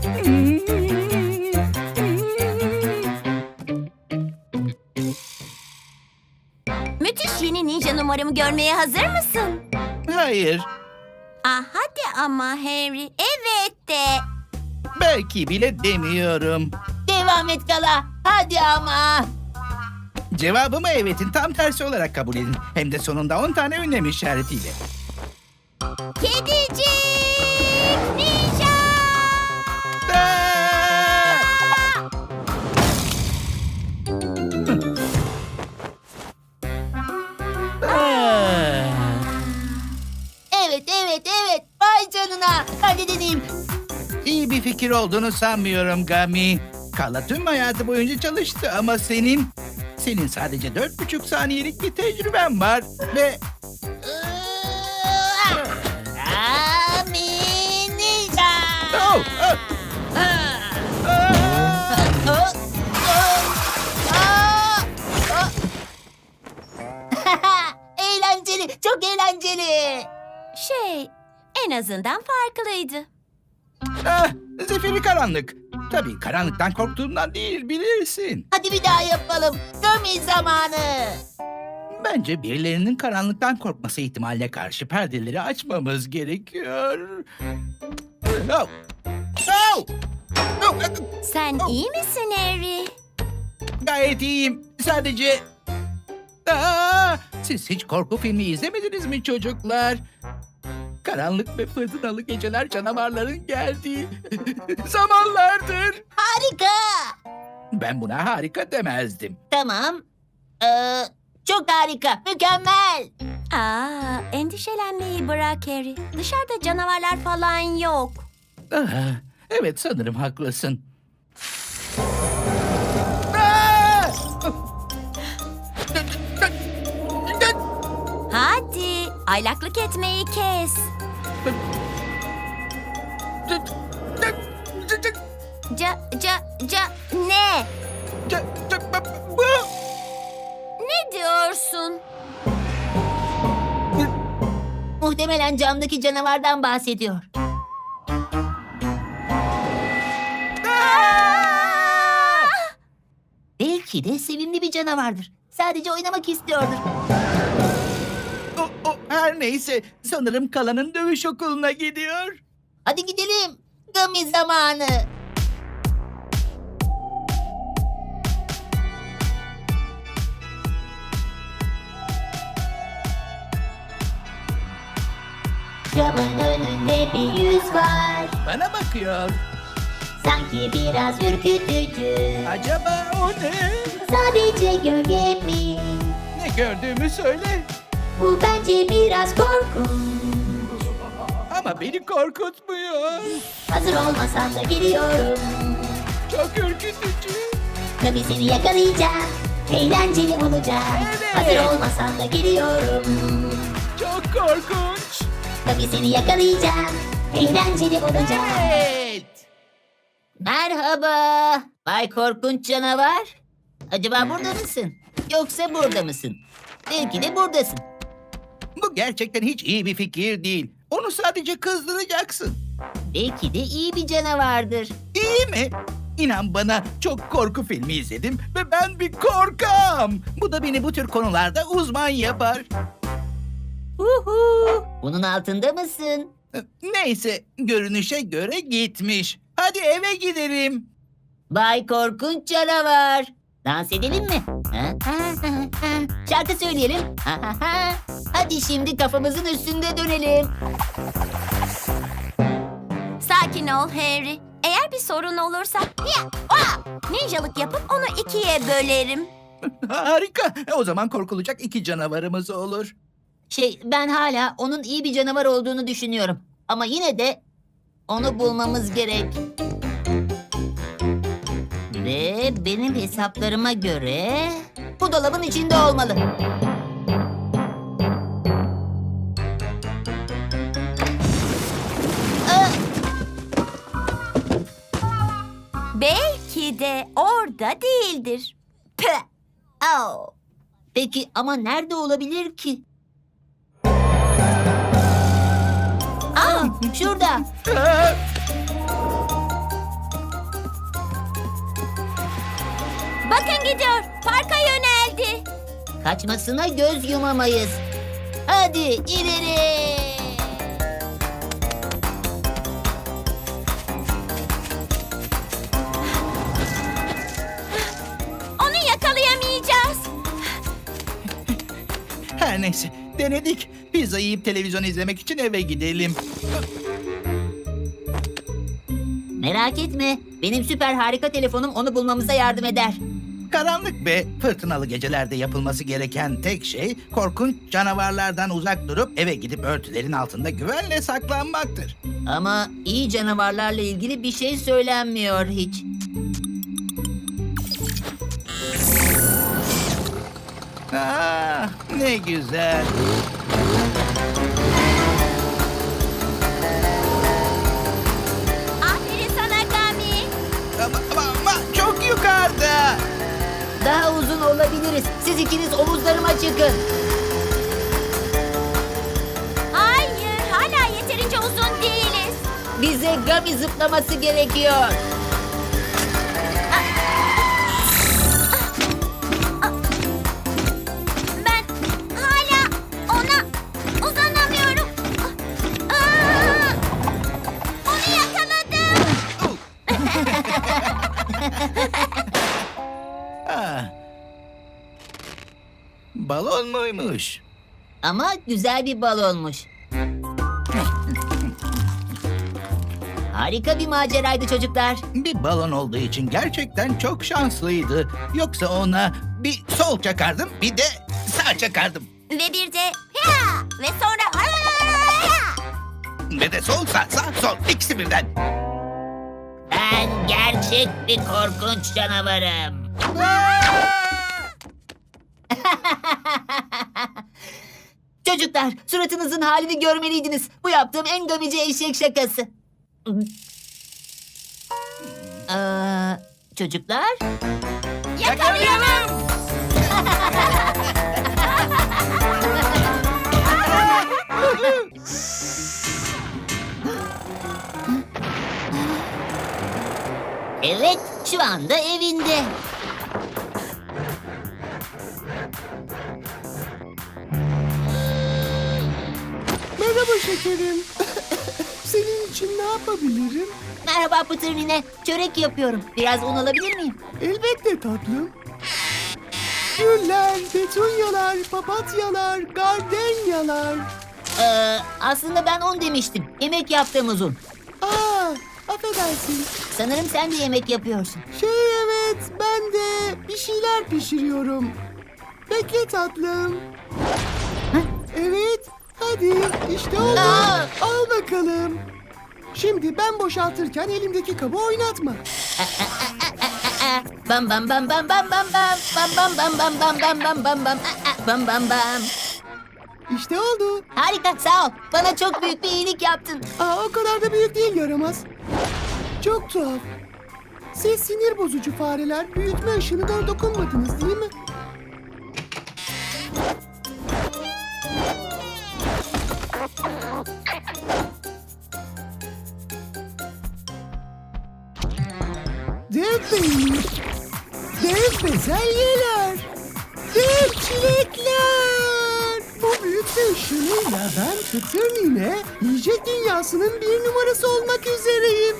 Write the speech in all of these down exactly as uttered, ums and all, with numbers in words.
Müthiş yeni ninja numaramı görmeye hazır mısın? Hayır, Ah hadi ama Harry. Evet de. belki bile demiyorum. Devam et Gala. Hadi ama. Cevabımı evetin tam tersi olarak kabul edin. Hem de sonunda on tane ünlem işaretiyle. Kedicik ninja. Aa! Aa! Evet, evet, evet. Vay canına. Hadi deneyeyim. İyi bir fikir olduğunu sanmıyorum Gami. Kala tüm hayatı boyunca çalıştı ama senin... Senin sadece dört buçuk saniyelik bir tecrüben var ve... Ami ninja. Oh, oh, ah! Oh, oh, oh, oh. Eğlenceli, çok eğlenceli. Şey, en azından farklıydı. Ah, zifiri karanlık. Tabii karanlıktan korktuğumdan değil, bilirsin. Hadi bir daha yapalım. Gummy zamanı. Bence birilerinin karanlıktan korkması ihtimaline karşı perdeleri açmamız gerekiyor. Oh. Oh. Oh. Sen iyi misin Harry? Gayet iyiyim. Sadece... Aa, siz hiç korku filmi izlemediniz mi çocuklar? Karanlık ve fırtınalı geceler canavarların geldiği zamanlardır. Harika. Ben buna harika demezdim. Tamam. Ee, çok harika. Mükemmel. Aa, endişelenmeyi bırak Harry. Dışarıda canavarlar falan yok. Ah, evet sanırım haklısın. Aa! Hadi, aylaklık etmeyi kes. Ca, ca, ca, ne? Bu... Ne diyorsun? Muhtemelen camdaki canavardan bahsediyor. Belki de sevimli bir canavardır. Sadece oynamak istiyordur. O, o, her neyse sanırım Kala'nın dövüş okuluna gidiyor. Hadi gidelim. Gummy zamanı. Camın önünde bir yüz var. Bana bakıyor. Sanki biraz ürkütücü. Acaba o ne? Sadece gölge mi? Ne gördüğümü söyle. Bu bence biraz korkunç. Ama beni korkutmuyor. Hazır olmasan da giriyorum. Çok ürkütücü. Tabii seni yakalayacağım. Eğlenceli olacak. Evet. Hazır olmasan da giriyorum. Çok korkunç. Tabii seni yakalayacağım. Eğlenceli olacak. Evet. Merhaba. Bay Korkunç Canavar. Acaba burada mısın? Yoksa burada mısın? Belki de buradasın. Bu gerçekten hiç iyi bir fikir değil. Onu sadece kızdıracaksın. Belki de iyi bir canavardır. İyi mi? İnan bana çok korku filmi izledim ve ben bir korkam. Bu da beni bu tür konularda uzman yapar. Uhu. Bunun altında mısın? Neyse görünüşe göre gitmiş. Hadi eve gidelim. Bay Korkunç Canavar. Dans edelim mi? Ha, ha, ha, ha. Şarkı söyleyelim. Ha, ha, ha. Hadi şimdi kafamızın üstünde dönelim. Sakin ol Harry. Eğer bir sorun olursa ya, oa, ninjalık yapıp onu ikiye bölerim. Harika. O zaman korkulacak iki canavarımız olur. Şey, ben hala onun iyi bir canavar olduğunu düşünüyorum. Ama yine de onu bulmamız gerek. Ve benim hesaplarıma göre bu dolabın içinde olmalı. Aa, Belki de orada değildir. Püh! Oh. peki ama nerede olabilir ki? Aa, şurada. Aa! Bakın gidiyor. Parka yöneldi. Kaçmasına göz yumamayız. Hadi ileri. Onu yakalayamayacağız. Her neyse, denedik. Pizza yiyip televizyon izlemek için eve gidelim. Merak etme. Benim süper harika telefonum onu bulmamıza yardım eder. Karanlık ve fırtınalı gecelerde yapılması gereken tek şey korkunç canavarlardan uzak durup eve gidip örtülerin altında güvenle saklanmaktır. Ama iyi canavarlarla ilgili bir şey söylenmiyor hiç. Ah, ne güzel. Aferin sana Gami. Ama, ama, ama çok yukarıda. Daha uzun olabiliriz. Siz ikiniz omuzlarıma çıkın. Hayır, hala yeterince uzun değiliz. Bize Gami zıplaması gerekiyor. Ben hala ona uzanamıyorum. Aa! Onu yakaladım. Ah. Balon muymuş? Ama güzel bir balonmuş. Harika bir maceraydı çocuklar. Bir balon olduğu için gerçekten çok şanslıydı. Yoksa ona bir sol çakardım, bir de sağ çakardım. Ve bir de ya! Ve sonra ya! Ve de sol sağ sağ sol ikisi birden. Ben gerçek bir korkunç canavarım. Çocuklar, suratınızın halini görmeliydiniz. Bu yaptığım en gamici eşek şakası. Ee, çocuklar, Yakalayalım. evet, şu anda evinde. Merhaba şekerim. Senin için ne yapabilirim? Merhaba Pıtır Nine, çörek yapıyorum. Biraz un alabilir miyim? Elbette tatlım. Güller, petunyalar, papatyalar, gardenyalar. Ee, aslında ben un demiştim. Yemek yaptığımız un. Aa, affedersin. Sanırım sen de yemek yapıyorsun. Şey evet, ben de bir şeyler pişiriyorum. Bekle tatlım. Evet, hadi işte oldu. Aa! Al bakalım. Şimdi ben boşaltırken elimdeki kabı oynatma. Aa, bam bam bam bam bam bam bam bam bam bam bam bam bam bam bam bam Aa, bam bam bam. İşte oldu. Harika, sağ ol. Bana çok büyük bir iyilik yaptın. Aa, o kadar da büyük değil yaramaz. Çok tuhaf. Siz sinir bozucu fareler büyütme ışığına da dokunmadınız değil mi? Dev peynir, dev bezelyeler, dev çilekler. Bu büyütme ışığıyla ben Pıtır Nine yiyecek dünyasının bir numarası olmak üzereyim.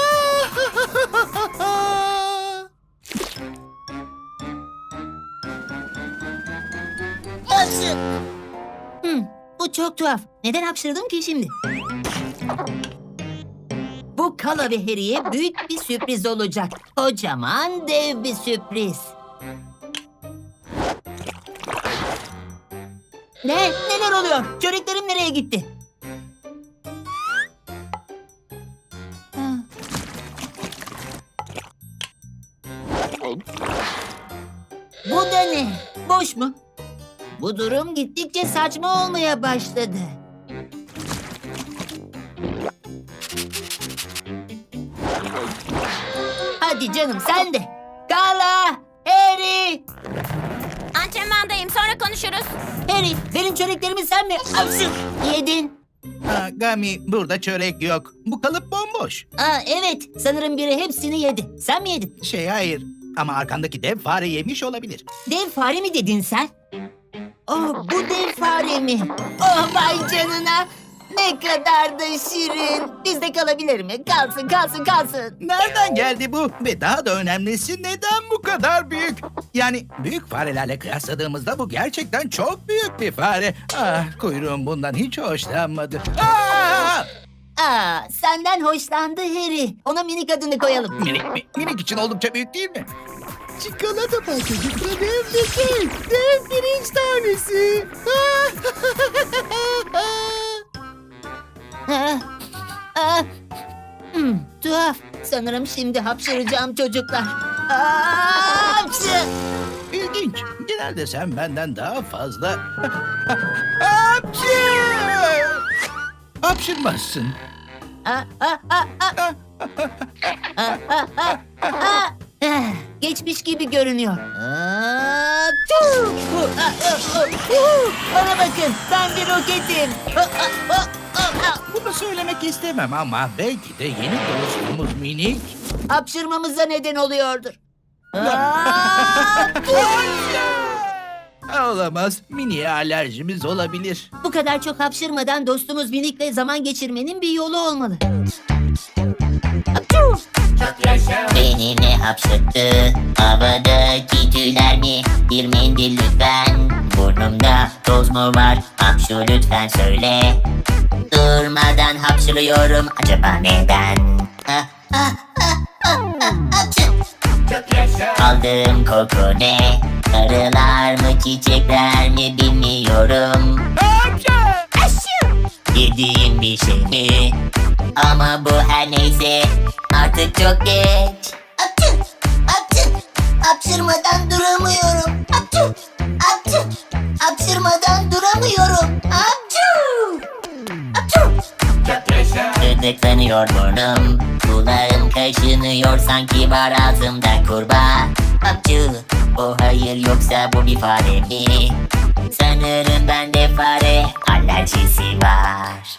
Hapşır. Hmm, bu çok tuhaf. Neden hapşırdım ki şimdi? Bu Kala ve Harry'e büyük bir sürpriz olacak. Kocaman dev bir sürpriz. Ne? Neler oluyor? Çöreklerim nereye gitti? Ha. Bu da ne? Boş mu? Bu durum gittikçe saçma olmaya başladı. Hadi canım sen de. Kala, Harry. Antrenmandayım, sonra konuşuruz. Harry, benim çöreklerimi sen mi Avşın, yedin? Ha, Gami, burada çörek yok. Bu kalıp bomboş. Aa, evet, sanırım biri hepsini yedi. Sen mi yedin? Şey hayır, Ama arkandaki dev fare yemiş olabilir. Dev fare mi dedin sen? Oh, bu dev fare mi? Oh, vay canına. Ne kadar da şirin. Bizde kalabilir mi? Kalsın, kalsın, kalsın. Nereden geldi bu? Ve daha da önemlisi neden bu kadar büyük? Yani büyük farelerle kıyasladığımızda bu gerçekten çok büyük bir fare. Ah, kuyruğum bundan hiç hoşlanmadı. Ah! Aa, senden hoşlandı Harry. Ona minik adını koyalım. Minik, mi- minik için oldukça büyük değil mi? Çikolata parçacıklı dev bir kek. Dev pirinç tanesi. Ah, ah. Hmm, tuhaf. Sanırım şimdi hapşıracağım çocuklar. Aa, hapşı! İlginç. Genelde sen benden daha fazla... Hapşır! Hapşırmazsın. Ah, ah, ah, ah. Ah, ah, ah, ah. Ah, geçmiş gibi görünüyor. Ah, tüh! Uh, ah, ah, uh, uh. Bana bakın, ben bir roketim. Ah, ah, ah, ah, ah. Bunu söylemek istemem ama belki de yeni dostumuz Minik... Hapşırmamıza neden oluyordur. Ah, Olamaz. Mini'ye alerjimiz olabilir. bu kadar çok hapşırmadan dostumuz Minik'le zaman geçirmenin bir yolu olmalı. Beni ne hapşırttı? Havadaki tüyler mi? Bir mendil lütfen. Burnumda toz mu var? Hapşu lütfen söyle. Durmadan hapşırıyorum. Acaba neden? Ah, ah, ah, ah, ah, hapşır. Aldığım koku ne? Arılar mı çiçekler mi bilmiyorum. Yediğim bir şey mi? Ama bu her neyse artık çok geç. Apçı, apçı, hapşırmadan duramıyorum. Apçı, apçı, hapşırmadan duramıyorum. Apçı, apçı. Gıdıklanıyor burnum. Kulağım kaşınıyor sanki var ağzımda kurbağa. Hapçı, o hayır yoksa bu bir fare mi? Sanırım bende fare alerjisi var.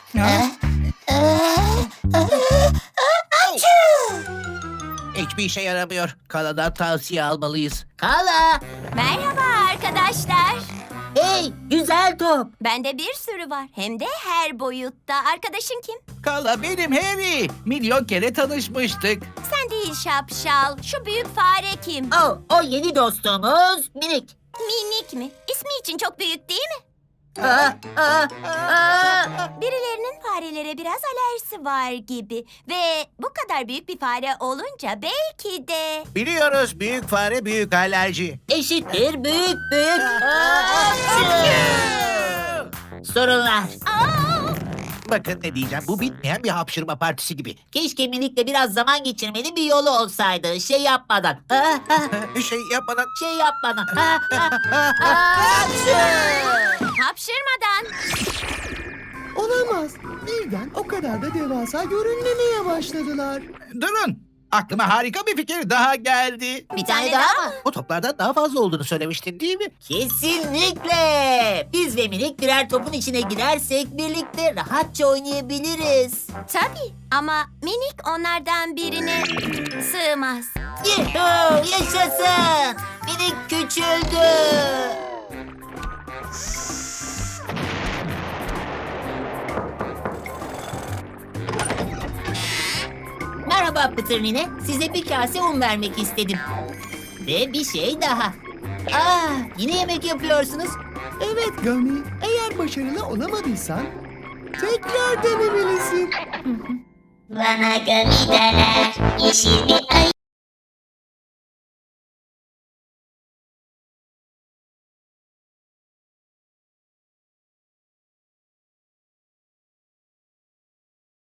Hiçbir işe yaramıyor. Kaladan tavsiye almalıyız. Kala! Merhaba arkadaşlar. Hey, güzel top. Bende bir sürü var. Hem de her boyutta. Arkadaşın kim? Kala benim Harry. Milyon kere tanışmıştık. Sen değil şapşal. Şu büyük fare kim? Oh, o yeni dostumuz Minik. Minik mi? İsmi için çok büyük değil mi? Aa, aa, aa. Birilerinin farelere biraz alerjisi var gibi. Ve bu kadar büyük bir fare olunca belki de... Biliyoruz büyük fare büyük alerji. Eşittir büyük büyük. Hapşı! Sorunlar. Aa! Bakın ne diyeceğim. Bu bitmeyen bir hapşırma partisi gibi. Keşke Minik'le biraz zaman geçirmenin bir yolu olsaydı. Şey yapmadan. Ah, ah, Bir şey yapmadan... şey yapmadan. Ah, ah, ah, hapşı! Hapşırmadan. Olamaz. Birden o kadar da devasa görünmemeye başladılar. Durun. Aklıma harika bir fikir daha geldi. Bir tane daha mı? O toplardan daha fazla olduğunu söylemiştin değil mi? Kesinlikle. Biz ve Minik birer topun içine girersek birlikte rahatça oynayabiliriz. Tabii ama minik onlardan birine sığmaz. Yuhuu, yaşasın. Minik küçüldü. Merhaba Pıtır Nine. Size bir kase un vermek istedim. Ve bir şey daha. Aa, yine yemek yapıyorsunuz. Evet Gami, eğer başarılı olamadıysan tekrar denemelisin. Bana gami derler, yeşil bir ay.